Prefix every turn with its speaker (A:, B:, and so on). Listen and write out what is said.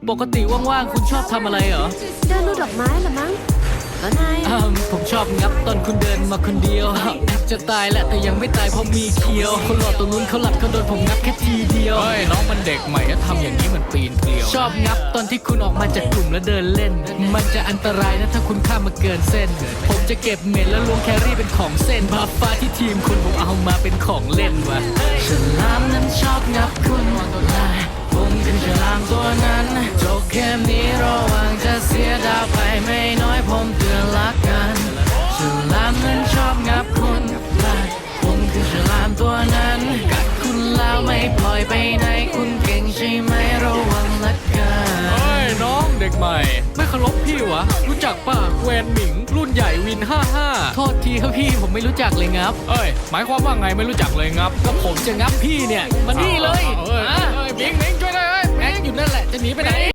A: ปกติว่างๆคุณชอบทำอะไรเหรอ
B: เดินดูดอกไม้ละมั้งก็นาย
A: ผมชอบงับตอนคุณเดินมาคนเดียวจะตายแหละแต่ยังไม่ตายเพราะมีเคียวคนหล่อตรงนู้นเขาหลับเขาโดนผมงับแค่ทีเดียวเฮ้ยน้องมันเด็กใหม่ทำอย่างนี้มันปีนเกลียวชอบงับตอนที่คุณออกมาจากกลุ่มแล้วเดินเล่นมันจะอันตรายนะถ้าคุณข้ามมาเกินเส้นผมจะเก็บเม็ดแล้วล้วงแครี่เป็นของเส้นบาฟ้าที่ทีมคุณผมเอามาเป็นของเล่นวะฉลามนั้นชอบงับคุณผมคือฉลามตัวนั้นจบเกมนี้ระวังจะเสียดาวไปไม่น้อยผมเตือนละกันฉลามนั้นชอบงับคุณผมคือฉลามตัวนั้นกัดคุณแล้วไม่ปล่อยไปไหนคุณเก่งใช่ไหมระวังละกันเฮ้ยน้องเด็กใหม่ไม่เคารพพี่วะรู้จักป่ะแวนหมิงรุ่นใหญ่วิน55โทษทีครับพี่ผมไม่รู้จักเลยงับหมายความว่าไงไม่รู้จักเลยงับก็ผมจะงับพี่เนี่ยมานี่เลยมิงช่วยได้แม็กอยู่นั่นแหละจะหนีไปไหน